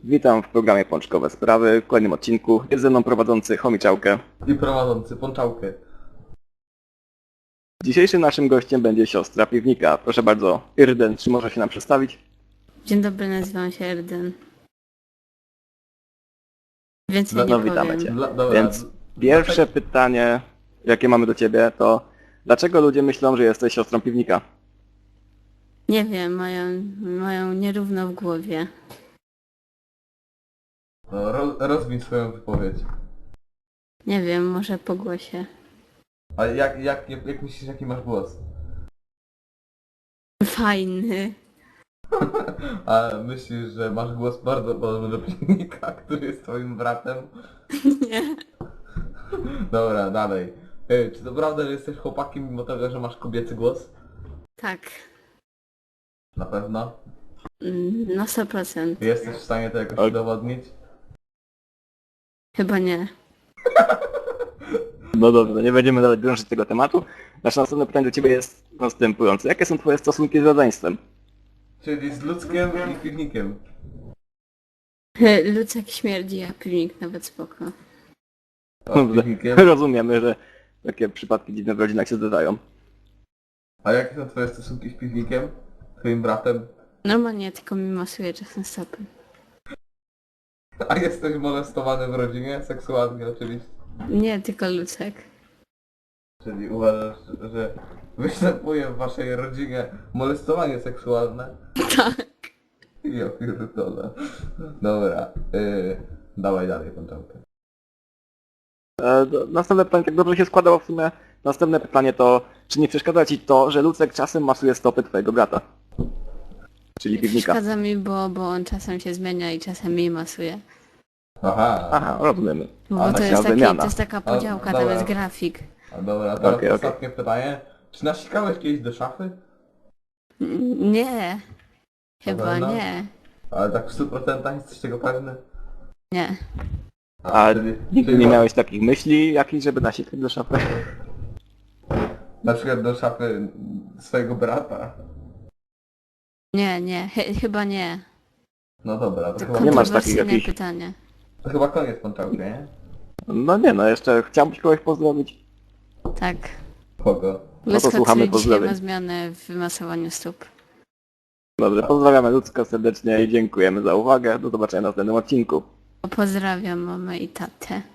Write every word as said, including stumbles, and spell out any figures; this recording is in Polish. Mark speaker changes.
Speaker 1: Witam w programie Pączkowe Sprawy. W kolejnym odcinku jest ze mną prowadzący Chomiczałkę.
Speaker 2: I prowadzący Pączałkę.
Speaker 1: Dzisiejszym naszym gościem będzie siostra piwnika. Proszę bardzo, Irden, czy może się nam przedstawić?
Speaker 3: Dzień dobry, nazywam się Erden. Więcej
Speaker 1: No,
Speaker 3: nie
Speaker 1: no
Speaker 3: powiem.
Speaker 1: witamy cię.
Speaker 2: Dla, dobra,
Speaker 1: Więc pierwsze pytanie, jakie mamy do ciebie, to dlaczego ludzie myślą, że jesteś siostrą piwnika?
Speaker 3: Nie wiem, mają, mają nierówno w głowie.
Speaker 2: no, roz, rozwij swoją wypowiedź.
Speaker 3: Nie wiem, może po głosie.
Speaker 2: A jak, jak, jak, jak myślisz, jaki masz głos?
Speaker 3: Fajny.
Speaker 2: A myślisz, że masz głos bardzo podobny do piwnika, który jest twoim bratem?
Speaker 3: Nie.
Speaker 2: Dobra, dalej. Ej, czy to prawda, że jesteś chłopakiem mimo tego, że masz kobiecy głos?
Speaker 3: Tak.
Speaker 2: Na pewno.
Speaker 3: Mm, Na sto procent.
Speaker 2: Jesteś w stanie to jakoś
Speaker 1: Ok.
Speaker 2: udowodnić?
Speaker 3: Chyba nie.
Speaker 1: No dobrze, nie będziemy dalej drążyć tego tematu. Nasze następne pytanie do ciebie jest następujące. Jakie są twoje stosunki z rodzeństwem?
Speaker 2: Czyli z ludzkiem i piwnikiem.
Speaker 3: Lucek śmierdzi, a piwnik nawet spoko.
Speaker 2: A z piwnikiem?
Speaker 1: Rozumiemy, że takie przypadki dziwne w rodzinach się zdarzają.
Speaker 2: A jakie są twoje stosunki z piwnikiem? Twoim bratem?
Speaker 3: Normalnie tylko mi masuje czasem stopy.
Speaker 2: A jesteś molestowany w rodzinie? Seksualnie oczywiście.
Speaker 3: Nie, tylko Lucek.
Speaker 2: Czyli uważasz, że występuje w waszej rodzinie molestowanie seksualne?
Speaker 3: Tak.
Speaker 2: Ja pierdolę. Dobra, yy, dawaj dalej Pączałkę.
Speaker 1: E, do- Następne pytanie, tak dobrze się składało w sumie. Następne pytanie to, czy nie przeszkadza ci to, że Lucek czasem masuje stopy twojego brata? Czyli piwnika.
Speaker 3: Przeszkadza mi, bo, bo on czasem się zmienia i czasem mi masuje.
Speaker 2: Aha,
Speaker 1: Aha, rozumiemy.
Speaker 3: Bo
Speaker 2: A,
Speaker 3: to
Speaker 1: taka
Speaker 3: jest, taki,
Speaker 1: wymiana.
Speaker 3: to jest taka podziałka, tam
Speaker 2: dobra.
Speaker 3: jest grafik.
Speaker 2: a dobra, teraz
Speaker 1: Okej, okej.
Speaker 2: ostatnie pytanie. Czy nasikałeś kiedyś do szafy?
Speaker 3: N- Nie. Chyba
Speaker 2: pewno?
Speaker 3: nie.
Speaker 2: Ale tak w stu procentach jesteś tego pewny?
Speaker 3: Nie.
Speaker 1: A
Speaker 2: czyli-
Speaker 1: nigdy
Speaker 2: czyli
Speaker 1: nie
Speaker 2: ma-
Speaker 1: miałeś takich myśli jakichś, żeby nasikać do szafy?
Speaker 2: Na przykład do szafy swojego brata?
Speaker 3: Nie, nie. Chy- chyba nie.
Speaker 2: No dobra, to
Speaker 3: To
Speaker 2: chyba,
Speaker 1: Nie masz takich
Speaker 3: kontrowersyjne
Speaker 1: jakichś-
Speaker 3: pytanie.
Speaker 2: to chyba koniec Pączałki, nie?
Speaker 1: No nie no, jeszcze chciałbyś kogoś pozdrowić.
Speaker 3: Tak.
Speaker 2: Kogo?
Speaker 3: Lucka,
Speaker 1: słuchamy
Speaker 3: który dzisiaj
Speaker 1: pozdrowień.
Speaker 3: ma zmianę w masowaniu stóp.
Speaker 1: Dobrze, pozdrawiamy Lucka serdecznie i dziękujemy za uwagę. Do zobaczenia w następnym odcinku.
Speaker 3: Pozdrawiam mamę i tatę.